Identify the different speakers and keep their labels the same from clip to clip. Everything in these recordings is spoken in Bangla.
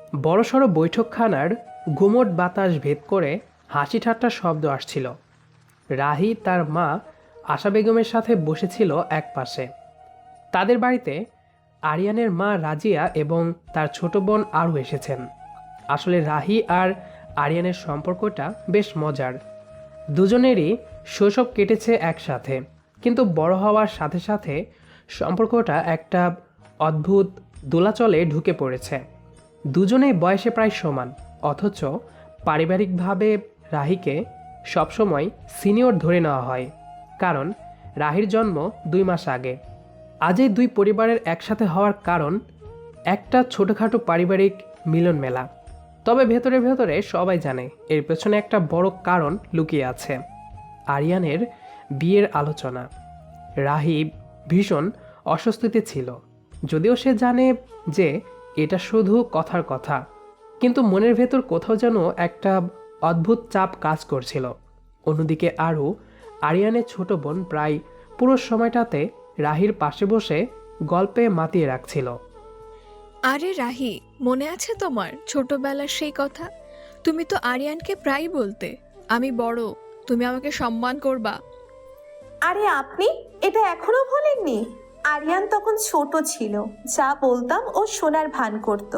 Speaker 1: বড়সড় বৈঠকখানার গুমোট বাতাস ভেদ করে হাসি ঠাট্টার শব্দ আসছিল। রাহি তার মা আশা বেগমের সাথে বসেছিল এক পাশে। তাদের বাড়িতে আরিয়ানের মা রাজিয়া এবং তার ছোট বোন আরও এসেছেন। আসলে রাহি আর আরিয়ানের সম্পর্কটা বেশ মজার। দুজনেরই শৈশব কেটেছে একসাথে, কিন্তু বড় হওয়ার সাথে সাথে সম্পর্কটা একটা অদ্ভুত দোলাচলে ঢুকে পড়েছে। দুজনেই বয়সে প্রায় সমান, অথচ পারিবারিকভাবে রাহিকে সবসময় সিনিয়র ধরে নেওয়া হয়, কারণ রাহির জন্ম 2 মাস আগে। আজ এই দুই পরিবারের একসাথে হওয়ার কারণ একটা ছোটোখাটো পারিবারিক মিলন মেলা। তবে ভেতরে ভেতরে সবাই জানে এর পেছনে একটা বড় কারণ লুকিয়ে আছে, আরিয়ানের বিয়ের আলোচনা। রাহি ভীষণ অস্বস্তিতে ছিল, যদিও সে জানে যে এটা শুধু কথার কথা, কিন্তু মনের ভেতর কোথাও যেন একটা অদ্ভুত চাপ কাজ করছিল। অন্যদিকে আরও আরিয়ানের ছোট বোন প্রায় পুরো সময়টাতে রাহির পাশে বসে গল্পে মাতিয়ে রাখছিল।
Speaker 2: আরে রাহি, মনে আছে তোমার ছোটবেলার সেই কথা? তুমি তো আরিয়ানকে প্রায়ই বলতে, আমি বড়, তুমি আমাকে সম্মান করবা।
Speaker 3: আরে আপনি এটা এখনো ভোলেননি? আরিয়ান তখন ছোট ছিল, যা বলতাম ও শোনার ভান করত।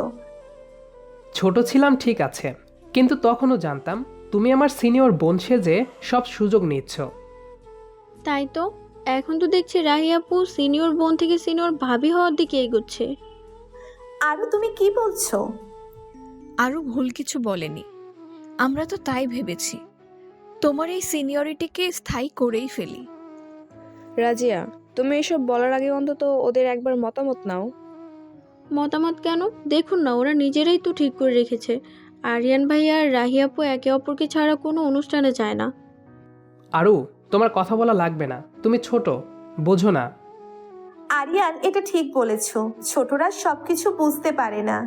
Speaker 1: ছোট ছিলাম ঠিক আছে, কিন্তু তখনও জানতাম তুমি আমার সিনিয়র বোন সেজে সব সুযোগ নিচ্ছ।
Speaker 4: তাই তো, এখন তো দেখছি রাহি আপু সিনিয়র বোন থেকে সিনিয়র ভাবি হওয়ার দিকে এগোচ্ছে।
Speaker 3: আরও তুমি কি বলছো?
Speaker 2: আরও ভুল কিছু বলেনি, আমরা তো তাই ভেবেছি, তোমার এই সিনিয়রিটিকে স্থায়ী করেই ফেলি।
Speaker 5: রাজিয়া, তুমি এসব বলার আগে অন্তত ওদের একবার মতামত নাও।
Speaker 4: মতামত কেন? দেখুন না, ওরা নিজেরাই তো ঠিক করে রেখেছে আরিয়ান ভাই আর রাহি আপু একে অপরকে ছাড়া কোনো অনুষ্ঠানে যায় না।
Speaker 1: আরও তোমার কথা বলা লাগবে না, তুমি ছোট, বোঝো না।
Speaker 3: আরিয়ান এটা ঠিক বলেছ, ছোটরা সবকিছু বুঝতে পারে না।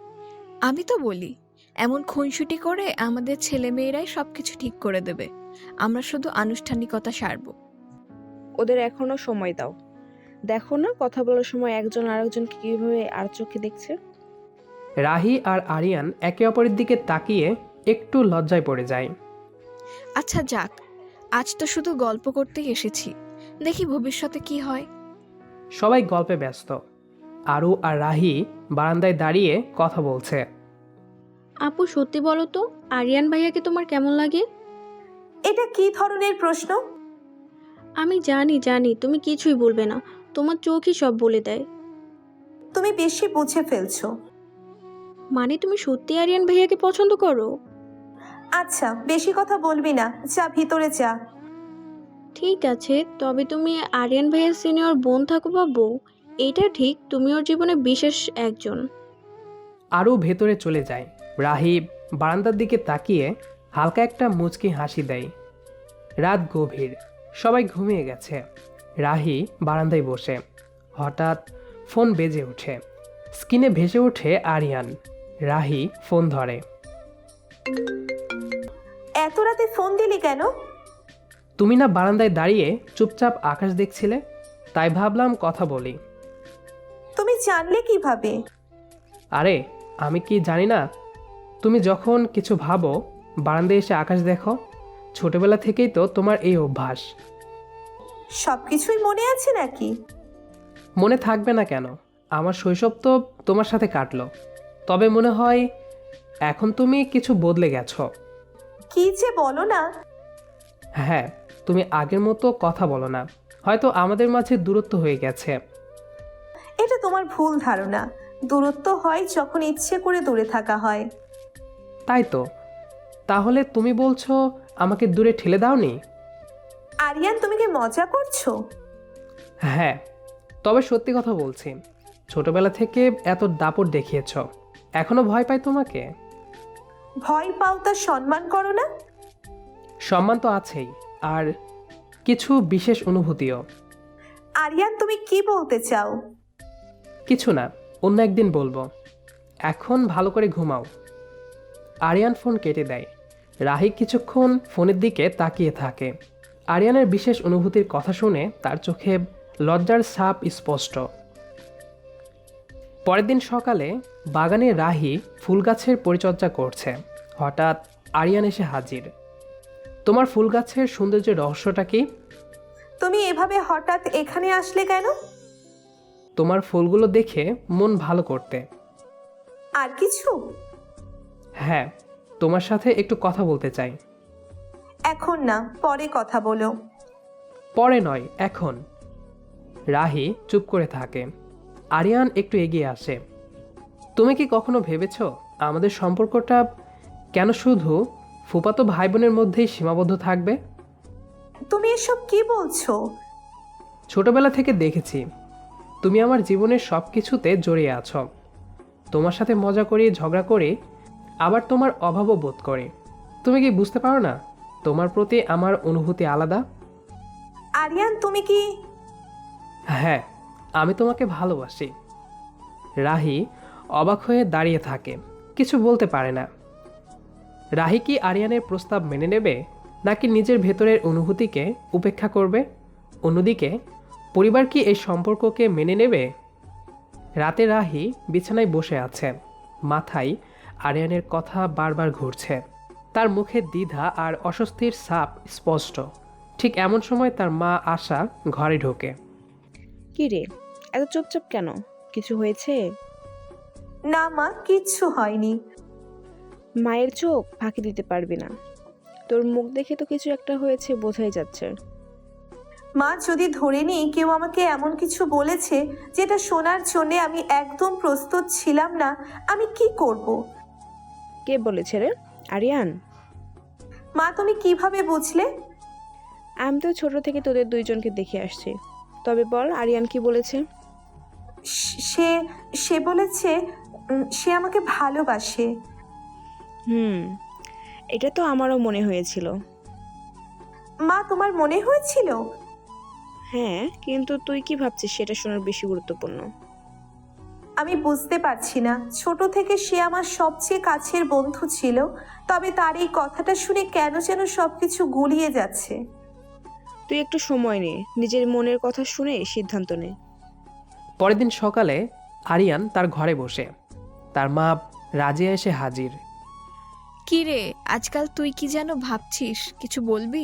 Speaker 2: আমি তো বলি, এমন খুনসুটি করে আমাদের ছেলেমেয়েরাই সবকিছু ঠিক করে দেবে, আমরা শুধু আনুষ্ঠানিকতা সারব।
Speaker 5: ওদের এখনো সময় দাও। দেখো না, কথা বলার সময় একজন আরেকজনকে কিভাবে আর চোখে দেখছে।
Speaker 1: রাহি আর আরিয়ান একে অপরের দিকে তাকিয়ে একটু লজ্জায় পড়ে যায়।
Speaker 2: আচ্ছা যাক, আজ তো শুধু গল্প করতেই এসেছি, দেখি ভবিষ্যতে কি হয়।
Speaker 1: সবাই গল্পে ব্যস্ত। আরু আর রাহি বারান্দায় দাঁড়িয়ে কথা বলছে।
Speaker 4: আপু সত্যি বলো তো, আরিয়ান ভাইয়াকে তোমার কেমন লাগে?
Speaker 3: এটা কি ধরনের প্রশ্ন?
Speaker 4: আমি জানি জানি তুমি কিছুই বলবে না, তোমার চোখই সব বলে দেয়।
Speaker 3: তুমি বেশি বুঝে ফেলছো।
Speaker 4: মানে তুমি সত্যি আরিয়ান ভাইয়াকে পছন্দ করো?
Speaker 3: আচ্ছা, বেশি কথা বলবি না, যা ভিতরে যা।
Speaker 4: ঠিক আছে, তবে তুমি আরিয়ান ভাইয়ার সিনিয়র বোন থাকো বা বউ, এটা ঠিক তুমি ওর জীবনে বিশেষ একজন।
Speaker 1: আরও ভেতরে চলে যায়। রাহি বারান্দার দিকে তাকিয়ে হালকা একটা মুচকি হাসি দেয়। রাত গভীর, সবাই ঘুমিয়ে গেছে। রাহি বারান্দায় বসে, হঠাৎ ফোন বেজে ওঠে। স্ক্রিনে ভেসে ওঠে আরিয়ান। রাহি ফোন ধরে।
Speaker 3: এত রাতে ফোন দিলি কেন?
Speaker 1: তুমি না বারান্দায় দাঁড়িয়ে চুপচাপ আকাশ দেখছিলে, তাই ভাবলাম কথা বলি।
Speaker 3: তুমি জানলে কিভাবে?
Speaker 1: আরে আমি কি জানি না? তুমি যখন কিছু ভাবো বারান্দায় এসে আকাশ দেখো। ছোটবেলা থেকেই তো তোমার এই অভ্যাস।
Speaker 3: সবকিছুই মনে আছে নাকি?
Speaker 1: মনে থাকবে না কেন? আমার শৈশব তো তোমার সাথে কাটলো। তবে মনে হয় এখন তুমি কিছু বদলে গেছো।
Speaker 3: কি যে বলো না।
Speaker 1: হ্যাঁ, তুমি আগের মতো কথা বলো না, হয়তো আমাদের মাঝে দূরত্ব হয়ে গেছে।
Speaker 3: এটা তোমার ভুল ধারণা। দূরত্ব হয় যখন ইচ্ছে করে দূরে থাকা হয়।
Speaker 1: তাই তো। তাহলে তুমি বলছো আমাকে দূরে ঠেলে দাওনি?
Speaker 3: আরিয়ান, তুমি কি মজা করছো?
Speaker 1: হ্যাঁ, তবে সত্যি কথা বলছি, ছোটবেলা থেকে এত দাপট দেখিয়েছ, এখনো ভয় পাই তোমাকে?
Speaker 3: ভয় পাও তা সম্মান করো না?
Speaker 1: সম্মান তো আছেই, আর কিছু বিশেষ অনুভূতিও।
Speaker 3: আরিয়ান, তুমি কি বলতে চাও?
Speaker 1: কিছু না, অন্য একদিন বলবো। এখন ভালো করে ঘুমাও। আরিয়ান ফোন কেটে দেয়। রাহি কিছুক্ষণ ফোনের দিকে তাকিয়ে থাকে। আরিয়ানের বিশেষ অনুভূতির কথা শুনে তার চোখে লজ্জার ছাপ স্পষ্ট। পরের দিন সকালে বাগানে রাহি ফুল গাছের পরিচর্যা করছে। হঠাৎ আরিয়ান এসে হাজির। তোমার ফুল গাছের সৌন্দর্যের রহস্যটা কি?
Speaker 3: তুমি এভাবে হঠাৎ এখানে আসলে কেন?
Speaker 1: তোমার ফুলগুলো দেখে মন ভালো করতে।
Speaker 3: আর কিছু?
Speaker 1: হ্যাঁ, তোমার সাথে একটু কথা বলতে চাই।
Speaker 3: এখন না, পরে কথা বলো।
Speaker 1: পরে নয়, এখন। রাহি চুপ করে থাকে। আরিয়ান একটু এগিয়ে আসে। তুমি কি কখনো ভেবেছো আমাদের সম্পর্কটা কেন শুধু ফুফাতো ভাই বোনের মধ্যেই সীমাবদ্ধ থাকবে?
Speaker 3: তুমি এসব কি বলছো?
Speaker 1: ছোটবেলা থেকে দেখেছি তুমি আমার জীবনের সব কিছুতে জড়িয়ে আছো। তোমার সাথে মজা করি, ঝগড়া করি, আবার তোমার অভাবও বোধ করি। তুমি কি বুঝতে পারো না তোমার প্রতি আমার অনুভূতি আলাদা?
Speaker 3: আরিয়ান, তুমি কি?
Speaker 1: হ্যাঁ, আমি তোমাকে ভালোবাসি। রাহি অবাক হয়ে দাঁড়িয়ে থাকে, কিছু বলতে পারে না। রাহি কি আরিয়ানের প্রস্তাব মেনে নেবে, নাকি নিজের ভেতরের অনুভূতিকে উপেক্ষা করবে? অন্যদিকে পরিবার কি এই সম্পর্ককে মেনে নেবে? রাতে রাহি বিছানায় বসে আছে, মাথায় আরিয়ানের কথা বারবার ঘুরছে। তার মুখে দ্বিধা আর অস্বস্তির ছাপ স্পষ্ট। ঠিক এমন সময় তার মা আশা ঘরে ঢোকে।
Speaker 5: কি রে, এত চুপচাপ কেন? কিছু হয়েছে?
Speaker 3: না মা, কিচ্ছু হয়নি।
Speaker 5: মায়ের চোখ ফাঁকি দিতে পারবি না। তোর মুখ দেখে তো কিছু একটা হয়েছে বোঝাই যাচ্ছে।
Speaker 3: মা, যদি ধরে নিই কেউ আমাকে এমন কিছু বলেছে যেটা শোনার জন্যে আমি একদম প্রস্তুত ছিলাম না, আমি কি করব?
Speaker 5: কে বলেছে রে? আরিয়ান?
Speaker 3: মা, তুমি কিভাবে বুঝলে?
Speaker 5: আমি তো ছোট থেকে তোদের দুইজনকে দেখে আসছি। তবে বল, আরিয়ান কি বলেছে?
Speaker 3: সে সে বলেছে সে আমাকে ভালোবাসে।
Speaker 5: এটা তো আমারও মনে হয়েছিল।
Speaker 3: মা, তোমার মনে হয়েছিল?
Speaker 5: হ্যাঁ, কিন্তু তুই কি ভাবছিস সেটা শোনার বেশি গুরুত্বপূর্ণ।
Speaker 3: আমি বুঝতে পারছি না, ছোট থেকে সে আমার সবচেয়ে কাছের বন্ধু ছিল, তবে তার এই কথাটা শুনে কেন যেন সবকিছু গুলিয়ে যাচ্ছে।
Speaker 5: তুই একটু সময় নে, নিজের মনের কথা শুনে সিদ্ধান্ত নে।
Speaker 1: পরের দিন সকালে আরিয়ান তার ঘরে বসে। তার মা রাজিয়া এসে হাজির।
Speaker 2: কি রে, আজকাল তুই কি যেন ভাবছিস, কিছু বলবি?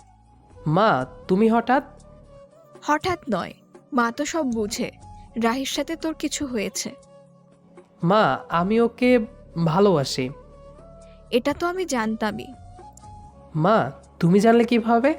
Speaker 1: মা, তুমি হঠাৎ?
Speaker 2: হঠাৎ নয়, মা তো সব বুঝে। রাহির সাথে তোর কিছু হয়েছে।
Speaker 1: মা, আমি ওকে ভালোবাসি।
Speaker 2: এটা তো আমি জানতামই।
Speaker 1: মা, তুমি জানলে কিভাবে?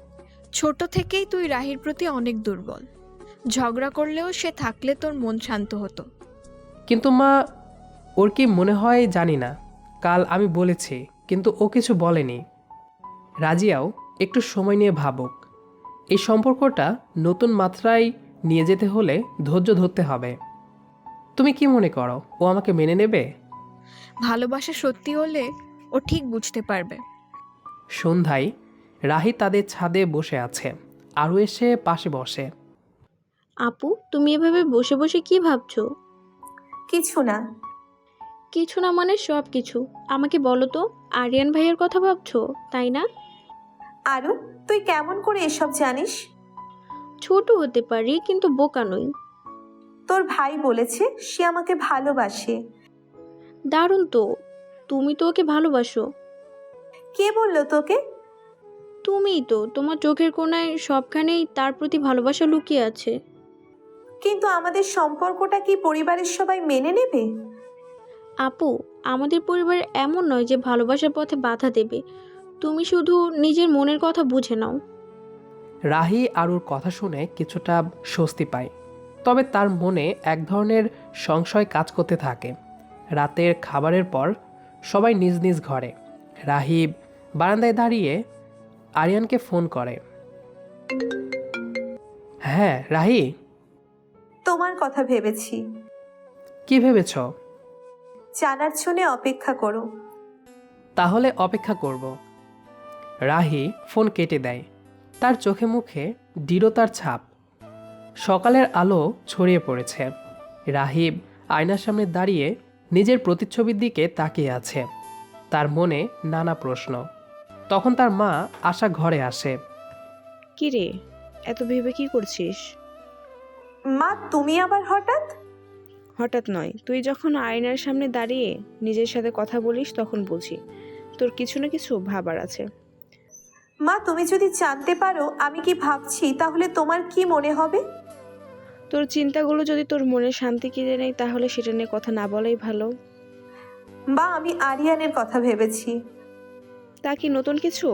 Speaker 2: ছোট থেকেই তুই রাহির প্রতি অনেক দুর্বল। ঝগড়া করলেও সে থাকলে তোর মন শান্ত হতো।
Speaker 1: কিন্তু মা, ওর কি মনে হয় জানি না। কাল আমি বলেছি, কিন্তু ও কিছু বলেনি। রাজিয়াও একটু সময় নিয়ে ভাবুক। এই সম্পর্কটা নতুন মাত্রায় নিয়ে যেতে হলে ধৈর্য ধরতে হবে। তুমি কি মনে করো ও আমাকে মেনে নেবে?
Speaker 2: ভালোবাসা সত্যি হলে ও ঠিক বুঝতে পারবে।
Speaker 1: সন্ধ্যায় রাহি তাদের ছাদে বসে আছে। আরও এসে পাশে বসে।
Speaker 4: আপু, তুমি এভাবে বসে বসে কি ভাবছো?
Speaker 3: কিছু না।
Speaker 4: কিছু না মানে সব কিছু। আমাকে বলো তো, আরিয়ান ভাইয়ের কথা ভাবছো, তাই না?
Speaker 3: আরু, তুই কেমন করে এসব জানিস?
Speaker 4: ছোট হতে পারি, কিন্তু বোকা নই।
Speaker 3: তোর ভাই বলেছে সে আমাকে ভালোবাসে।
Speaker 4: দারুণ তো। তুমি তো ওকে ভালোবাসো।
Speaker 3: কে বললো তোকে?
Speaker 4: তুমিই তো। তোমার চোখের কোণায় সবখানেই তার প্রতি ভালোবাসা লুকিয়ে আছে।
Speaker 3: কিন্তু আমাদের সম্পর্কটা কি পরিবারের সবাই মেনে নেবে?
Speaker 4: আপু, আমাদের পরিবার এমন নয় যে ভালোবাসার পথে বাধা দেবে। তুমি শুধু নিজের মনের কথা বুঝে নাও।
Speaker 1: রাহি আরুর কথা শুনে কিছুটা স্বস্তি পায়। তবে তার মনে এক ধরনের সংশয় কাজ করতে থাকে। রাতের খাবারের পর সবাই নিজ নিজ ঘরে। রাহি বারান্দায় দাঁড়িয়ে আরিয়ানকে ফোন করে। হ্যাঁ রাহি।
Speaker 3: তোমার কথা ভেবেছি।
Speaker 1: কি ভেবেছ?
Speaker 3: জানার জন্য অপেক্ষা করো।
Speaker 1: তাহলে অপেক্ষা করব। রাহি ফোন কেটে দেয়। তার চোখে মুখে দৃঢ়তার ছাপ। সকালের আলো ছড়িয়ে পড়েছে। রাহিব আয়নার সামনে দাঁড়িয়ে নিজের প্রতিচ্ছবির দিকে তাকিয়ে আছে। তার মনে নানা প্রশ্ন। তখন তার মা আশা ঘরে আসে।
Speaker 5: কি রে, এত ভেবে কি করছিস?
Speaker 3: মা, তুমি আবার হঠাৎ?
Speaker 5: হঠাৎ নয়, তুই যখন আয়নার সামনে দাঁড়িয়ে নিজের সাথে কথা বলিস তখন বুঝি তোর কিছু না কিছু ভাবার আছে।
Speaker 3: মা, তুমি যদি জানতে পারো আমি কি ভাবছি তাহলে তোমার কি মনে হবে?
Speaker 5: তোর চিন্তাগুলো যদি তোর মনে শান্তি কিনে নেয় তাহলে সেটা নিয়ে কথা না বলাই ভালো।
Speaker 3: বা আমি আরিয়ানের কথা ভেবেছি।
Speaker 5: তা কি নতুন কিছু?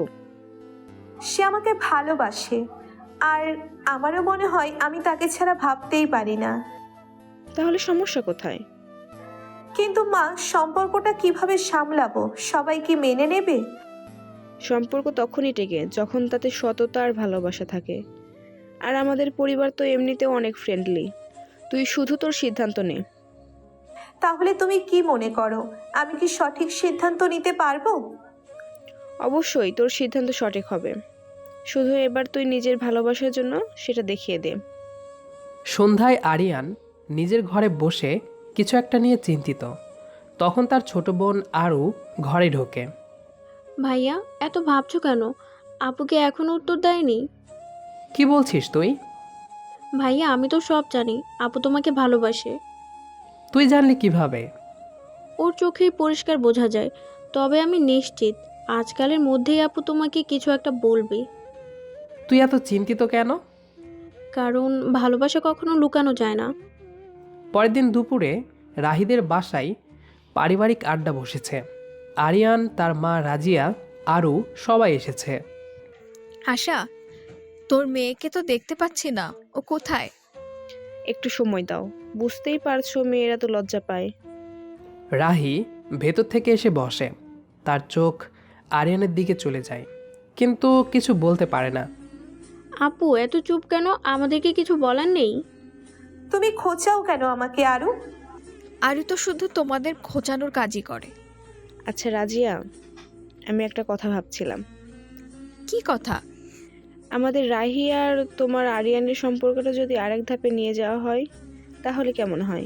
Speaker 3: সে আমাকে ভালোবাসে, আর আমারও মনে হয় আমি তাকে ছাড়া ভাবতেই পারি না।
Speaker 5: তাহলে সমস্যা কোথায়?
Speaker 3: কিন্তু মা, সম্পর্কটা কিভাবে সামলাবো? সবাই কি মেনে নেবে?
Speaker 5: সম্পর্ক তখনই টেকে যখন তাতে সততা আর ভালোবাসা থাকে। আর আমাদের পরিবার তো এমনিতেও অনেক ফ্রেন্ডলি। তুই শুধু তোর সিদ্ধান্ত নে।
Speaker 3: তাহলে তুমি কি মনে করো, আমি কি সঠিক সিদ্ধান্ত নিতে পারবো?
Speaker 5: অবশ্যই তোর সিদ্ধান্ত সঠিক হবে, শুধু এবার তুই নিজের ভালোবাসার জন্য সেটা দেখিয়ে দে।
Speaker 1: সন্ধ্যায় আরিয়ান নিজের ঘরে বসে কিছু একটা নিয়ে চিন্তিত। তখন তার ছোট বোন আরু ঘরে ঢোকে।
Speaker 4: ভাইয়া এত ভাবছো কেন? আপুকে এখনো উত্তর দেয়নি?
Speaker 1: কি বলছিস তুই?
Speaker 4: ভাইয়া আমি তো সব জানি, আপু তোমাকে ভালোবাসে।
Speaker 1: তুই জানলি কিভাবে?
Speaker 4: ওর চোখেই পরিষ্কার বোঝা যায়। তবে আমি নিশ্চিত আজকালের মধ্যেই আপু তোমাকে কিছু একটা বলবে।
Speaker 1: তুই এত চিন্তিত কেন?
Speaker 4: কারণ ভালোবাসা কখনো লুকানো যায় না।
Speaker 1: পরের দিন দুপুরে রাহিদের বাসায় পারিবারিক আড্ডা বসেছে। আরিয়ান, তার মা রাজিয়া, আরু সবাই এসেছে।
Speaker 2: আশা, তোর মেয়েকে তো দেখতে পাচ্ছি না, ও কোথায়?
Speaker 5: একটু সময় দাও, বুঝতেই পারছো মেয়েরা তো লজ্জা পায়।
Speaker 1: রাহি ভেতর থেকে এসে বসে। তার চোখ আরিয়ানের দিকে চলে যায়, কিন্তু কিছু বলতে পারে না।
Speaker 4: আপু এত চুপ কেন? আমাদেরকে কিছু বলার নেই?
Speaker 3: তুমি খোঁচাও কেন আমাকে আরু?
Speaker 2: আরে তো শুধু তোমাদের খোঁচানোর কাজই করে।
Speaker 5: আচ্ছা রাজিয়া, আমি একটা কথা ভাবছিলাম।
Speaker 2: কি কথা?
Speaker 5: আমাদের রাহি আর তোমার আরিয়ানের সম্পর্কটা যদি আরেক ধাপে নিয়ে যাওয়া হয় তাহলে কেমন হয়?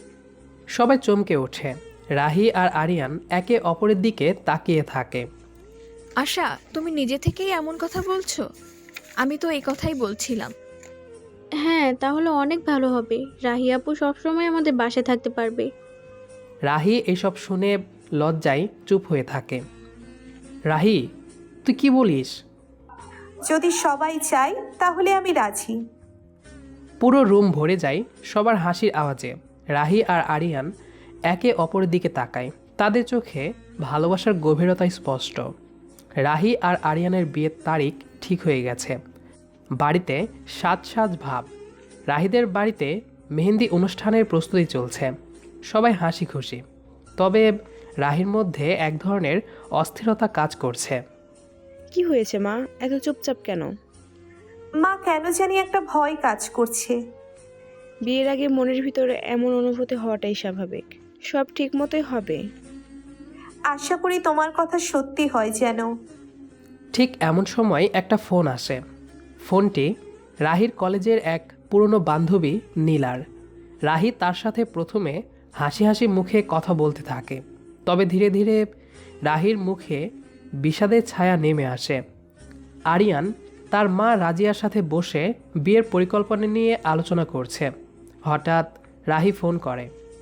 Speaker 1: সবাই চমকে ওঠে। রাহি আর আরিয়ান একে অপরের দিকে তাকিয়ে থাকে।
Speaker 2: আশা, তুমি নিজে থেকেই এমন কথা বলছো? আমি তো এই কথাই বলছিলাম।
Speaker 4: হ্যাঁ, তাহলে অনেক ভালো হবে। রাহি আপু সবসময় আমাদের বাসায় থাকতে পারবে।
Speaker 1: রাহি এসব শুনে লজ্জায় চুপ হয়ে থাকে। রাহি, তুই কি বলিস?
Speaker 3: যদি সবাই চায় তাহলে আমি রাজি।
Speaker 1: পুরো রুম ভরে যায় সবার হাসির আওয়াজে। রাহি আর আরিয়ান একে অপরের দিকে তাকায়। তাদের চোখে ভালোবাসার গভীরতা স্পষ্ট। রাহি আর আরিয়ানের বিয়ের তারিখ ঠিক হয়ে গেছে। বাড়িতে সাজ সাজ ভাব। রাহিদের বাড়িতে মেহেন্দি অনুষ্ঠানের প্রস্তুতি চলছে। সবাই হাসি খুশি। তবে রাহির মধ্যে এক ধরনের অস্থিরতা কাজ করছে।
Speaker 5: কি হয়েছে মা, এত চুপচাপ কেন?
Speaker 3: মা, কেন জানি একটা ভয় কাজ করছে।
Speaker 5: বিয়ের আগে মনের ভিতরে এমন অনুভূতি হওয়াটাই স্বাভাবিক। সব ঠিক মতোই হবে।
Speaker 3: আশা করি তোমার কথা সত্যি হয় যেন।
Speaker 1: ঠিক এমন সময় একটা ফোন আসে। ফোনটি রাহির কলেজের এক পুরনো বান্ধবী নীলার। রাহি তার সাথে প্রথমে হাসি হাসি মুখে কথা বলতে থাকে। তবে ধীরে ধীরে রাহির মুখে বিষাদের ছায়া নেমে আসে। আরিয়ান তার মা রাজিয়ার সাথে বসে বিয়ের পরিকল্পনা নিয়ে আলোচনা করছে। হঠাৎ রাহি ফোন করে।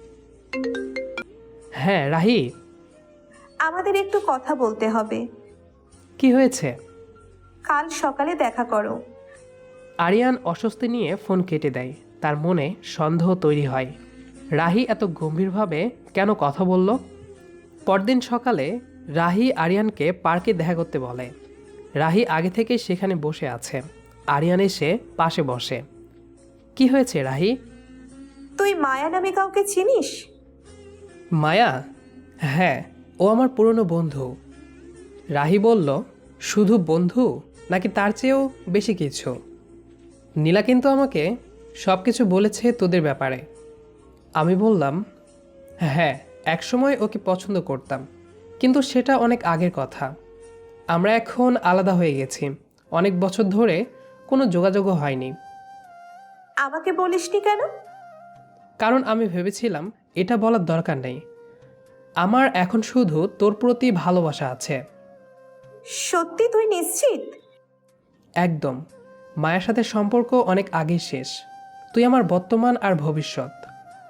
Speaker 1: হ্যাঁ রাহি।
Speaker 3: আমাদের একটু কথা বলতে হবে।
Speaker 1: কি হয়েছে?
Speaker 3: কাল সকালে দেখা করো।
Speaker 1: আরিয়ান অস্বস্তি নিয়ে ফোন কেটে দেয়। তার মনে সন্দেহ তৈরি হয়, রাহি এত গম্ভীরভাবে কেন কথা বলল। পরদিন সকালে রাহি আরিয়ানকে পার্কে দেখা করতে বলে। রাহি আগে থেকেই সেখানে বসে আছে। আরিয়ান এসে পাশে বসে। কি হয়েছে রাহি?
Speaker 3: তুই মায়া নামে কাউকে চিনিস?
Speaker 1: মায়া? হ্যাঁ, ও আমার পুরনো বন্ধু। রাহি বলল, শুধু বন্ধু নাকি তার চেয়েও বেশি কিছু? নীলা কিন্তু আমাকে সব কিছু বলেছে তোদের ব্যাপারে। আমি বললাম, হ্যাঁ, একসময় ওকে পছন্দ করতাম, কিন্তু সেটা অনেক আগের কথা। আমরা এখন আলাদা হয়ে গেছি। অনেক বছর ধরে কোনো যোগাযোগও হয়নি।
Speaker 3: আমাকে বলিসনি কেন?
Speaker 1: কারণ আমি ভেবেছিলাম এটা বলার দরকার নেই। আমার এখন শুধু তোর প্রতি ভালোবাসা আছে।
Speaker 3: সত্যি তুই নিশ্চিত?
Speaker 1: একদম। মায়ের সাথে সম্পর্ক অনেক আগেই শেষ। তুই আমার বর্তমান আর ভবিষ্যৎ।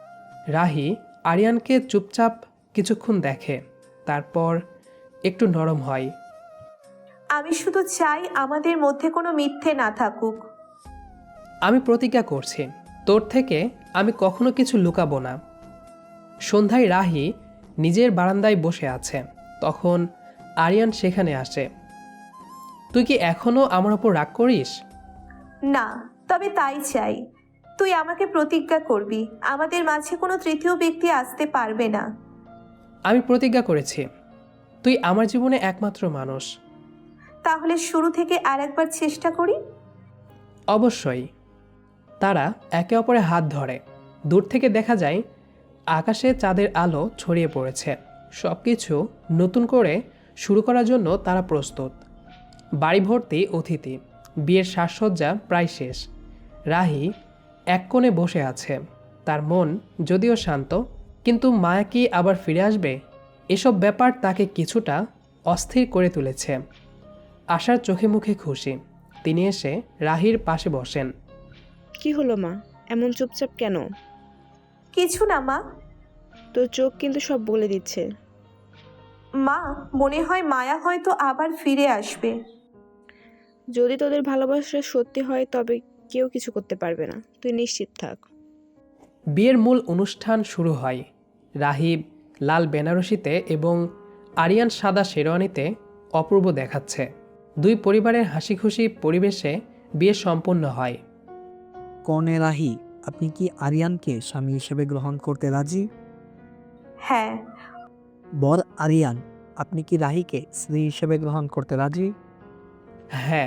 Speaker 1: রাহি আরিয়ানকে চুপচাপ কিছুক্ষণ দেখে, তারপর একটু নরম হয়।
Speaker 3: আমি শুধু চাই আমাদের মধ্যে কোনো মিথ্যে না থাকুক।
Speaker 1: আমি প্রতিজ্ঞা করছি, তোর থেকে আমি কখনো কিছু লুকাবো না। সন্ধ্যায় রাহি নিজের বারান্দায় বসে আছে, তখন আরিয়ান সেখানে আসে। তুই কি এখনো আমার ওপর রাগ করিস?
Speaker 3: না, তবে তাই চাই। তুই আমাকে প্রতিজ্ঞা করবি আমাদের মাঝে কোনো তৃতীয় ব্যক্তি আসতে পারবে না।
Speaker 1: আমি প্রতিজ্ঞা করেছি, তুই আমার জীবনে একমাত্র মানুষ।
Speaker 3: তাহলে শুরু থেকে আরেকবার চেষ্টা করি।
Speaker 1: অবশ্যই। তারা একে অপরের হাত ধরে। দূর থেকে দেখা যায় আকাশে চাঁদের আলো ছড়িয়ে পড়েছে। সব কিছু নতুন করে শুরু করার জন্য তারা প্রস্তুত। বাড়ি ভর্তি অতিথি, বিয়ের সাজসজ্জা প্রায় শেষ। রাহি এক কোণে বসে আছে, তার মন যদিও শান্ত, কিন্তু মায়া কি আবার ফিরে আসবে, এসব ব্যাপার তাকে কিছুটা অস্থির করে তুলেছে। আশার চোখে মুখে খুশি, তিনি এসে রাহির পাশে বসেন।
Speaker 5: কি হলো মা, এমন চুপচাপ কেন?
Speaker 3: কিছু না মা।
Speaker 5: তোর চোখ কিন্তু সব বলে দিচ্ছে।
Speaker 3: মা, মনে হয় মায়া হয়তো আবার ফিরে আসবে।
Speaker 5: যদি তোদের ভালোবাসা সত্যি হয় তবে কেউ কিছু করতে পারবে না, তুই নিশ্চিত থাক।
Speaker 1: বিয়ের মূল অনুষ্ঠান শুরু হয়। রাহিব লাল বেনারসিতে এবং আরিয়ান সাদা শেরওয়ানিতে অপূর্ব দেখাচ্ছে। দুই পরিবারের হাসি খুশি পরিবেশে বিয়ে সম্পন্ন হয়।
Speaker 6: কনে রাহি, আপনি কি আরিয়ানকে স্বামী হিসেবে গ্রহণ করতে রাজি?
Speaker 3: হ্যাঁ।
Speaker 6: বর আরিয়ান, আপনি কি রাহিকে স্ত্রী হিসেবে গ্রহণ করতে রাজি?
Speaker 1: হ্যাঁ।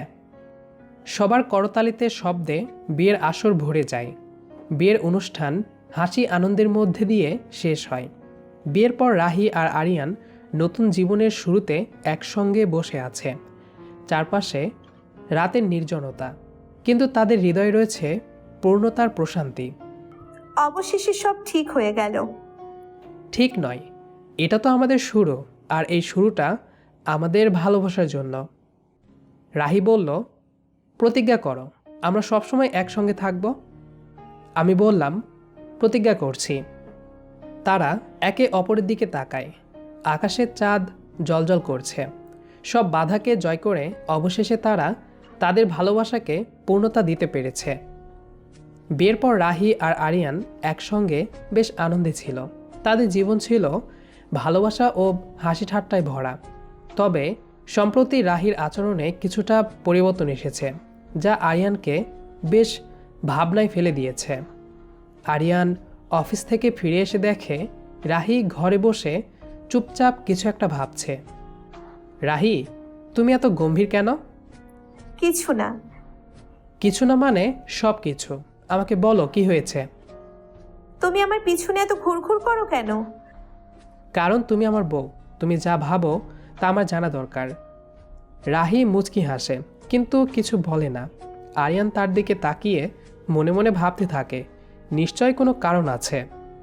Speaker 1: সবার করতালিতে শব্দে বিয়ের আসর ভরে যায়। বিয়ের অনুষ্ঠান হাসি আনন্দের মধ্যে দিয়ে শেষ হয়। বিয়ের পর রাহি আর আরিয়ান নতুন জীবনের শুরুতে একসঙ্গে বসে আছে। চারপাশে রাতের নির্জনতা, কিন্তু তাদের হৃদয়ে রয়েছে পূর্ণতার প্রশান্তি।
Speaker 3: অবশেষে সব ঠিক হয়ে গেল।
Speaker 1: ঠিক নয়, এটা তো আমাদের শুরু, আর এই শুরুটা আমাদের ভালোবাসার জন্য। রাহি বলল, প্রতিজ্ঞা করো আমরা সবসময় একসঙ্গে থাকব। আমি বললাম, প্রতিজ্ঞা করছি। তারা একে অপরের দিকে তাকায়। আকাশের চাঁদ জ্বলজ্বল করছে। সব বাধাকে জয় করে অবশেষে তারা তাদের ভালোবাসাকে পূর্ণতা দিতে পেরেছে। বিয়ের পর রাহি আর আরিয়ান একসঙ্গে বেশ আনন্দে ছিল। তাদের জীবন ছিল ভালোবাসা ও হাসি ঠাট্টায় ভরা। তবে সম্প্রতি রাহির আচরণে কিছুটা পরিবর্তন এসেছে, যা আরিয়ানকে বেশ ভাবনায় ফেলে দিয়েছে। আরিয়ান অফিস থেকে ফিরে এসে দেখে রাহি ঘরে বসে চুপচাপ কিছু একটা ভাবছে। রাহি, তুমি এত গম্ভীর কেন?
Speaker 3: কিছু না।
Speaker 1: কিছু না মানে সব কিছু। আমাকে বলো, কি হয়েছে?
Speaker 3: তুমি আমার পিছনে এত ঘুরঘুর করো কেন?
Speaker 1: কারণ তুমি আমার বউ, তুমি যা ভাবো তা আমার জানা দরকার। রাহি মুচকি হাসে, কিন্তু কিছু বলে না। আরিয়ান তার দিকে তাকিয়ে মনে মনে ভাবতে থাকে, নিশ্চয় কোনো কারণ আছে।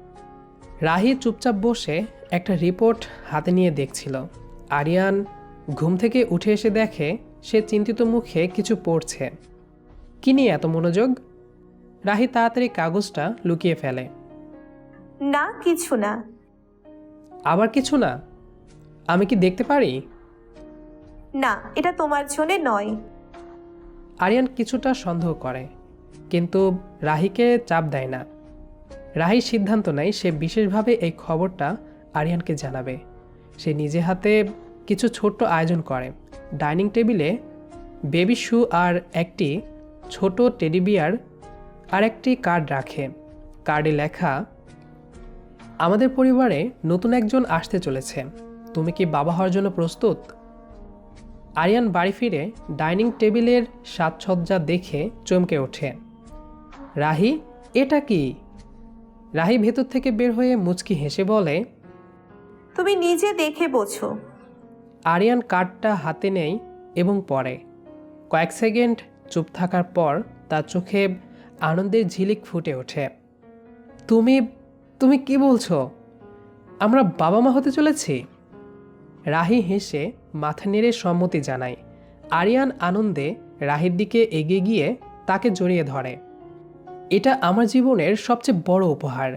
Speaker 1: রাহি চুপচাপ বসে একটা রিপোর্ট হাতে নিয়ে দেখছিল। আরিয়ান ঘুম থেকে উঠে এসে দেখে সে চিন্তিত মুখে কিছু পড়ছে। কি নিয়ে এত মনোযোগ? রাহি তাড়াতাড়ি কাগজটা লুকিয়ে ফেলে।
Speaker 3: না, কিছু না।
Speaker 1: আবার কিছু না? আমি কি দেখতে পারি?
Speaker 3: না, এটা তোমার জন্য নয়।
Speaker 1: আরিয়ান কিছুটা সন্দেহ করে, কিন্তু রাহিকে চাপ দেয় না। রাহি সিদ্ধান্ত নেয় সে বিশেষভাবে এই খবরটা আরিয়ানকে জানাবে। সে নিজে হাতে কিছু ছোট্ট আয়োজন করে। ডাইনিং টেবিলে বেবি শু আর একটি ছোট টেডি বিয়ার আর একটি কার্ড রাখে। কার্ডে লেখা, আমাদের পরিবারে নতুন একজন আসতে চলেছে, তুমি কি বাবা হওয়ার জন্য প্রস্তুত? আরিয়ান বাড়ি ফিরে ডাইনিং টেবিলের সাজসজ্জা দেখে চমকে ওঠে। রাহি, এটা কি? রাহি ভেতর থেকে বের হয়ে মুচকি হেসে বলে,
Speaker 3: তুমি নিজে দেখে বোঝো।
Speaker 1: আরিয়ান কার্ডটা হাতে নেয় এবং পড়ে। কয়েক সেকেন্ড চুপ থাকার পর তার চোখে আনন্দের ঝিলিক ফুটে ওঠে। তুমি তুমি কি বলছো? আমরা বাবা মা হতে চলেছি? রাহি হেসে মাথা নেড়ে সম্মতি জানায়। আরিয়ান আনন্দে রাহির দিকে এগিয়ে গিয়ে তাকে জড়িয়ে ধরে। এটা আমার জীবনের সবচেয়ে বড় উপহার।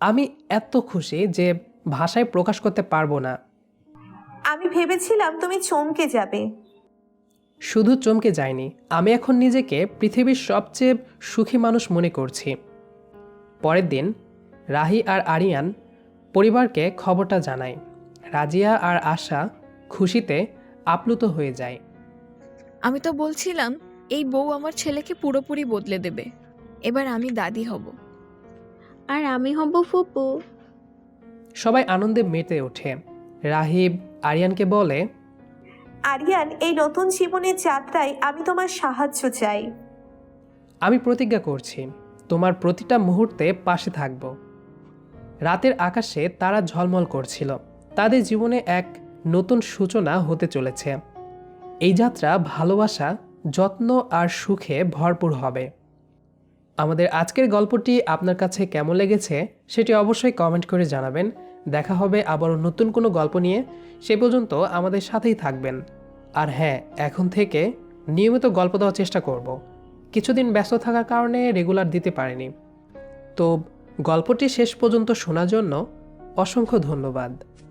Speaker 1: আমি এত খুশি যে ভাষায় প্রকাশ করতে পারবো না।
Speaker 3: আমি ভেবেছিলাম তুমি চমকে যাবে।
Speaker 1: শুধু চমকে যায়নি, আমি এখন নিজেকে পৃথিবীর সবচেয়ে সুখী মানুষ মনে করছি। পরের দিন রাহি আর আরিয়ান পরিবারকে খবরটা জানায়। রাজিয়া আর আশা খুশিতে আপ্লুত হয়ে যায়।
Speaker 2: আমি তো বলছিলাম এই বউ আমার ছেলেকে পুরোপুরি বদলে দেবে। এবার আমি দাদি হব।
Speaker 4: আর আমি হব ফুপু।
Speaker 1: সবাই আনন্দে মেতে ওঠে। রাহিব আরিয়ানকে বলে,
Speaker 3: আরিয়ান, এই নতুন জীবনের যাত্রায় আমি তোমার সাহায্য চাই।
Speaker 1: আমি প্রতিজ্ঞা করছি তোমার প্রতিটা মুহূর্তে পাশে থাকব। রাতের আকাশে তারা ঝলমল করছিল। তাদের জীবনে এক নতুন সূচনা হতে চলেছে। এই যাত্রা ভালোবাসা, যত্ন আর সুখে ভরপুর হবে। আমাদের আজকের গল্পটি আপনার কাছে কেমন লেগেছে সেটি অবশ্যই কমেন্ট করে জানাবেন। দেখা হবে আবারও নতুন কোনো গল্প নিয়ে। সে পর্যন্ত আমাদের সাথেই থাকবেন। আর হ্যাঁ, এখন থেকে নিয়মিত গল্প দেওয়ার চেষ্টা করব। কিছুদিন ব্যস্ত থাকার কারণে রেগুলার দিতে পারিনি। তো গল্পটি শেষ পর্যন্ত শোনার জন্য অসংখ্য ধন্যবাদ।